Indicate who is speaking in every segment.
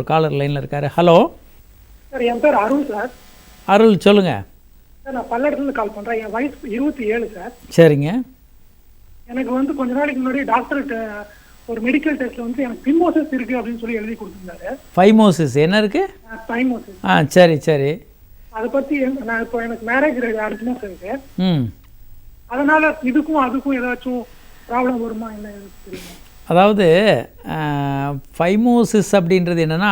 Speaker 1: Collar லைனில் இருக்கார். Hello
Speaker 2: sir, என் பேர் அருள் சார்.
Speaker 1: அருள் சொல்லுங்கள்.
Speaker 2: சார், நான் பல்லடத்துலேருந்து கால் பண்ணுறேன். என் வயசு 27 சார்.
Speaker 1: சரிங்க.
Speaker 2: எனக்கு வந்து கொஞ்ச நாளைக்கு முன்னாடி டாக்டர்கிட்ட ஒரு மெடிக்கல் டெஸ்ட்டில் வந்து எனக்கு பிமோசிஸ் இருக்குது அப்படின்னு சொல்லி எழுதி கொடுத்துருந்தாரு.
Speaker 1: ஃபைமோசிஸ் என்ன இருக்குது?
Speaker 2: பைமோசிஸ்.
Speaker 1: சரி சரி.
Speaker 2: அதை பற்றி நான் இப்போ எனக்கு மேரேஜ் அடுத்த மாதம் இருக்கு.
Speaker 1: ம்.
Speaker 2: அதனால் இதுக்கும் அதுக்கும் ஏதாச்சும் ப்ராப்ளம் வருமா என்ன தெரியுமா?
Speaker 1: அதாவது ஃபைமோசிஸ் அப்படின்றது என்னென்னா,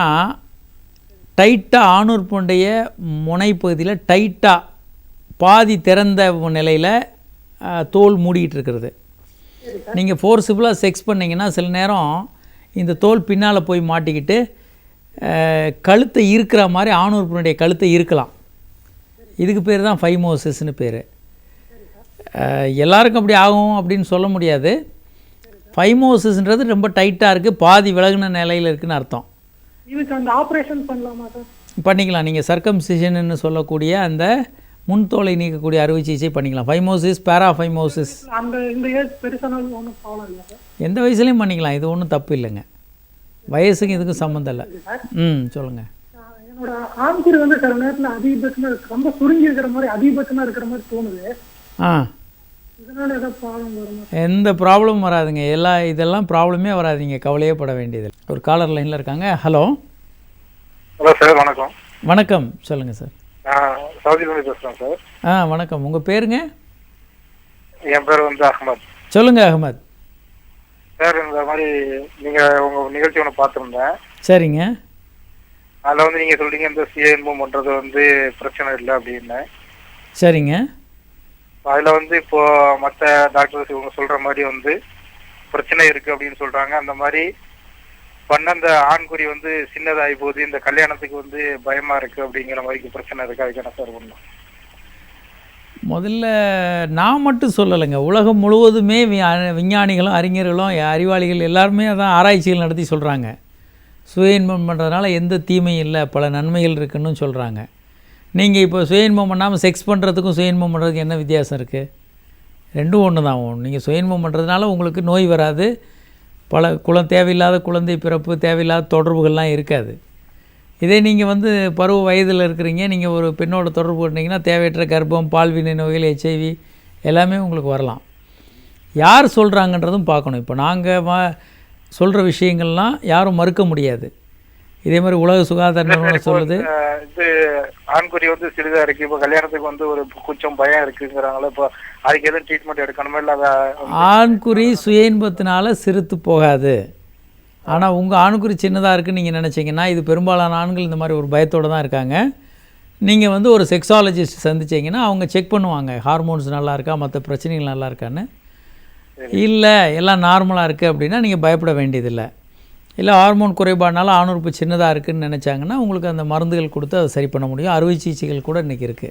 Speaker 1: டைட்டாக ஆணுறுப்புடைய முனைப்பகுதியில் டைட்டாக பாதி திறந்த நிலையில் தோல் மூடிட்டு இருக்கிறது. நீங்கள் ஃபோர்ஸிபிளாக செக்ஸ் பண்ணிங்கன்னா சில நேரம் இந்த தோல் பின்னால் போய் மாட்டிக்கிட்டு கழுத்தை இருக்கிற மாதிரி ஆணுறுப்பினுடைய கழுத்தை இருக்கலாம். இதுக்கு பேர் தான் ஃபைமோசிஸ்னு பேர். எல்லாருக்கும் அப்படி ஆகும் அப்படின்னு சொல்ல முடியாது. ஃபைமோசிஸ்ன்றது ரொம்ப டைட்டாக இருக்குது, பாதி விலகுன நிலையில் இருக்குதுன்னு அர்த்தம்.
Speaker 2: இதுக்கு அந்த ஆப்ரேஷன் பண்ணலாமா சார்?
Speaker 1: பண்ணிக்கலாம். நீங்கள் சர்க்கம்சிஷன்னு சொல்லக்கூடிய அந்த முன்தோலை நீக்கக்கூடிய அறுவை சிகிச்சை பண்ணிக்கலாம். ஃபைமோசிஸ், பேராஃபைமோசிஸ்
Speaker 2: அந்த இந்த ஏஜ் பெருசானாலும் ஒன்றும் ப்ராப்ளம் இல்லை சார்?
Speaker 1: எந்த வயசுலையும் பண்ணிக்கலாம். இது ஒன்றும் தப்பு இல்லைங்க. வயசுக்கு இதுக்கும் சம்மந்தம் இல்லை. சொல்லுங்கள்.
Speaker 2: என்னோட ஆண்குறி வந்து சில நேரத்தில் அதிகபட்சமாக ரொம்ப சுருங்கி இருக்கிற மாதிரி அதிகபட்சமாக இருக்கிற மாதிரி தோணுது. இதனால ஏதாவது ப்ராப்ளம் வருமா?
Speaker 1: எந்த ப்ராப்ளமும் வராதுங்க. இதெல்லாம் ப்ராப்ளமே வராதுங்க, கவலையே பட வேண்டியது. ஒரு காலர் லைனில் இருக்காங்க. ஹலோ
Speaker 3: ஹலோ சார், வணக்கம்.
Speaker 1: வணக்கம், சொல்லுங்கள் சார்.
Speaker 3: சவுதியிலேருந்து பேசுகிறேன் சார்.
Speaker 1: வணக்கம். உங்கள் பேருங்க?
Speaker 3: என் பேர் வந்து அஹமத்.
Speaker 1: சொல்லுங்கள் அஹமத்.
Speaker 3: சார், இந்த மாதிரி நீங்கள் உங்கள் நிகழ்ச்சி ஒன்று பார்த்துருந்தேன்.
Speaker 1: சரிங்க.
Speaker 3: அதில் வந்து நீங்கள் சொல்கிறீங்க இந்த சுயஇன்பம் பண்ணுறது வந்து பிரச்சனை இல்லை அப்படின்னு.
Speaker 1: சரிங்க.
Speaker 3: அதில் வந்து இப்போ மற்ற டாக்டர்ஸ் இவங்க சொல்கிற மாதிரி வந்து பிரச்சனை இருக்குது அப்படின்னு சொல்கிறாங்க. அந்த மாதிரி பண்ண அந்த ஆண்குறி வந்து சின்னதாகி போகுது, இந்த கல்யாணத்துக்கு வந்து பயமாக இருக்குது அப்படிங்கிற மாதிரி பிரச்சனை இருக்குது. அதுக்கு என்ன சார் பண்ணணும்?
Speaker 1: முதல்ல நான் மட்டும் சொல்லலைங்க, உலகம் முழுவதுமே விஞ்ஞானிகளும் அறிஞர்களும் அறிவாளிகள் எல்லாருமே அதான் ஆராய்ச்சிகள் நடத்தி சொல்கிறாங்க. சுய இன்பம் பண்ணுறதுனால எந்த தீமையும் இல்லை, பல நன்மைகள் இருக்குன்னு சொல்கிறாங்க. நீங்கள் இப்போ சுய இன்பம் பண்ணாமல் செக்ஸ் பண்ணுறதுக்கும் சுய இன்பம் பண்ணுறதுக்கு என்ன வித்தியாசம் இருக்குது? ரெண்டும் ஒன்று தான். நீங்கள் சுய இன்பம் பண்ணுறதுனால உங்களுக்கு நோய் வராது, பல தேவையில்லாத குழந்தை பிறப்பு, தேவையில்லாத தொடர்புகள்லாம் இருக்காது. இதே நீங்கள் வந்து பருவ வயதில் இருக்கிறீங்க, நீங்கள் ஒரு பெண்ணோட தொடர்பு பண்ணிங்கன்னா தேவையற்ற கர்ப்பம், பால்வினை நோய்கள், HIV எல்லாமே உங்களுக்கு வரலாம். யார் சொல்கிறாங்கன்றதும் பார்க்கணும். இப்போ நாங்கள் சொல்கிற விஷயங்கள்லாம் யாரும் மறுக்க முடியாது. இதே மாதிரி உலக சுகாதார நிறுவனம் சொல்லுது
Speaker 3: இது ஆண்குறி வந்து சிறிதாக இருக்குது, இப்போ கல்யாணத்துக்கு வந்து ஒரு கொஞ்சம் பயம் இருக்குங்கிறாங்களே, இப்போ அதுக்கு எதுவும் ட்ரீட்மெண்ட் எடுக்கணுமா? இல்லை
Speaker 1: ஆண்குறி சுய இன்பத்தினால சிறுத்து போகாது. ஆனால் உங்கள் ஆண்குறி சின்னதாக இருக்குன்னு நீங்கள் நினச்சிங்கன்னா, இது பெரும்பாலான ஆண்கள் இந்த மாதிரி ஒரு பயத்தோடு தான் இருக்காங்க. நீங்கள் வந்து ஒரு செக்ஸாலஜிஸ்ட் சந்திச்சிங்கன்னா அவங்க செக் பண்ணுவாங்க, ஹார்மோன்ஸ் நல்லா இருக்கா, மற்ற பிரச்சனைகள் நல்லா இருக்கான்னு. இல்லை எல்லாம் நார்மலாக இருக்குது அப்படின்னா நீங்கள் பயப்பட வேண்டியதில்லை. இல்லை ஹார்மோன் குறைபாடுனால ஆணுறுப்பு சின்னதாக இருக்குதுன்னு நினச்சாங்கன்னா உங்களுக்கு அந்த மருந்துகள் கொடுத்து அதை சரி பண்ண முடியும். அறுவை சிகிச்சைகள் கூட இன்றைக்கி இருக்குது.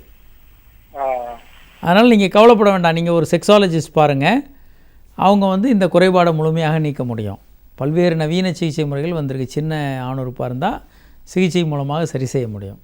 Speaker 1: அதனால் நீங்கள் கவலைப்பட வேண்டாம். நீங்கள் ஒரு செக்ஸாலஜிஸ்ட் பாருங்கள், அவங்க வந்து இந்த குறைபாடை முழுமையாக நீக்க முடியும். பல்வேறு நவீன சிகிச்சை முறைகள் வந்திருக்கு. சின்ன ஆணுறுப்பாக இருந்தால் சிகிச்சை மூலமாக சரி செய்ய முடியும்.